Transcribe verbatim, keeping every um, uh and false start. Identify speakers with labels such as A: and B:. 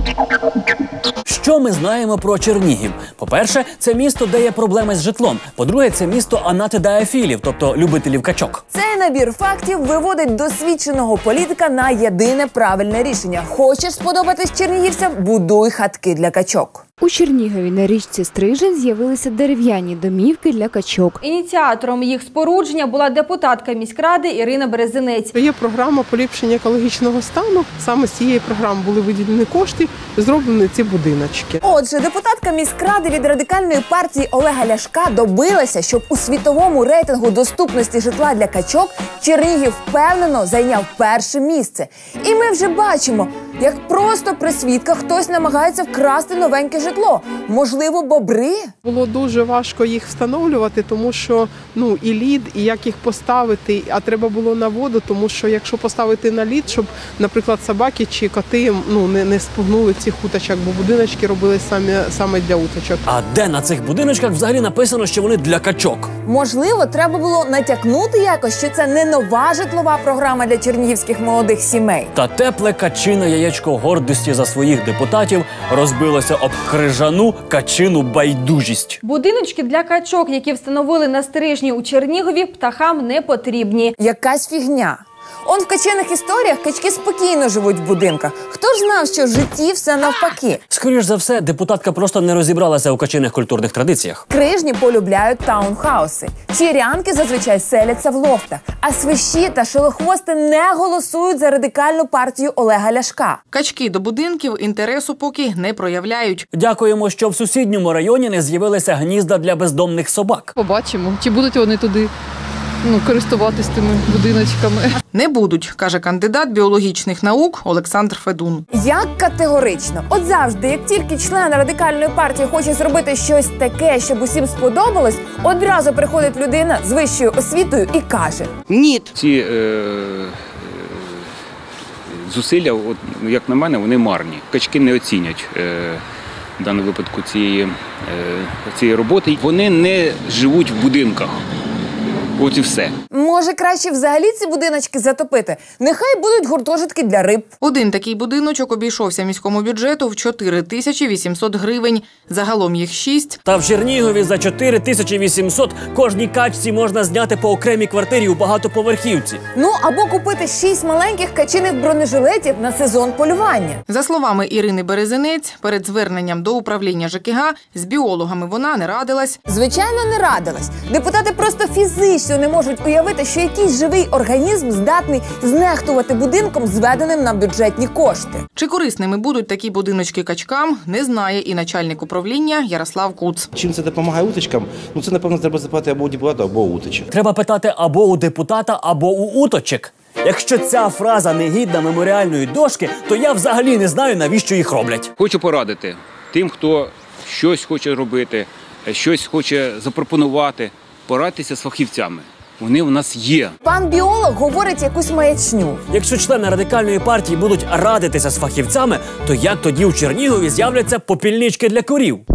A: Що ми знаємо про Чернігів? По-перше, це місто, де є проблеми з житлом. По-друге, це місто анатидаефілів, тобто любителів качок.
B: Цей набір фактів виводить досвідченого політика на єдине правильне рішення. Хочеш сподобатись чернігівцям – будуй хатки для качок.
C: У Чернігові на річці Стрижень з'явилися дерев'яні домівки для качок.
D: Ініціатором їх спорудження була депутатка міськради Ірина Березинець.
E: Є програма поліпшення екологічного стану. Саме з цієї програми були виділені кошти, зроблені ці будиночки.
B: Отже, депутатка міськради від радикальної партії Олега Ляшка добилася, щоб у світовому рейтингу доступності житла для качок Чернігів впевнено зайняв перше місце. І ми вже бачимо, як просто при свідках хтось намагається вкрасти новеньке житло. Можливо, бобри?
E: Було дуже важко їх встановлювати, тому що ну, і лід, і як їх поставити, а треба було на воду, тому що якщо поставити на лід, щоб, наприклад, собаки чи коти ну, не, не спугнули цих уточок, бо будиночки робили самі, саме для уточок.
A: А де на цих будиночках взагалі написано, що вони для качок?
B: Можливо, треба було натякнути якось, що це не нова житлова програма для чернігівських молодих сімей.
A: Та тепле качине яєчко гордості за своїх депутатів розбилося об крижану качину байдужість.
D: Будиночки для качок, які встановили на Стрижні у Чернігові, птахам не потрібні.
B: Якась фігня. Он в качиних історіях качки спокійно живуть в будинках. Хто ж знав, що в житті все навпаки?
A: Скоріш за все, депутатка просто не розібралася у качиних культурних традиціях.
B: Крижні полюбляють таунхауси. Чирянки зазвичай селяться в лофтах. А свищі та шилохвости не голосують за радикальну партію Олега Ляшка.
F: Качки до будинків інтересу поки не проявляють.
A: Дякуємо, що в сусідньому районі не з'явилися гнізда для бездомних собак.
G: Побачимо, чи будуть вони туди ну, користуватись тими будиночками.
F: Не будуть, каже кандидат біологічних наук Олександр Федун.
B: Як категорично? От завжди, як тільки член радикальної партії хоче зробити щось таке, щоб усім сподобалось, одразу приходить людина з вищою освітою і каже:
H: ні. Ці е, зусилля, от, як на мене, вони марні. Качки не оцінять е, в даному випадку цієї, е, цієї роботи. Вони не живуть в будинках. От і все.
B: Може, краще взагалі ці будиночки затопити? Нехай будуть гуртожитки для риб.
F: Один такий будиночок обійшовся міському бюджету в чотири тисячі вісімсот гривень. Загалом їх шість.
A: Та в Чернігові за чотири тисячі вісімсот кожній качці можна зняти по окремій квартирі у багатоповерхівці.
B: Ну, або купити шість маленьких качиних бронежилетів на сезон полювання.
F: За словами Ірини Березинець, перед зверненням до управління ЖКГ з біологами вона не радилась.
B: Звичайно, не радилась. Депутати просто фізично не можуть уявити, що якийсь живий організм здатний знехтувати будинком, зведеним на бюджетні кошти.
F: Чи корисними будуть такі будиночки качкам, не знає і начальник управління Ярослав Куц.
I: Чим це допомагає уточкам? Ну це, напевно, треба запитати або у депутата, або у уточок.
A: Треба питати або у депутата, або у уточок. Якщо ця фраза не гідна меморіальної дошки, то я взагалі не знаю, навіщо їх роблять.
H: Хочу порадити тим, хто щось хоче робити, щось хоче запропонувати, порадьтеся з фахівцями. Вони у нас є.
B: Пан біолог говорить якусь маячню.
A: Якщо члени радикальної партії будуть радитися з фахівцями, то як тоді у Чернігові з'являться попільнички для корів?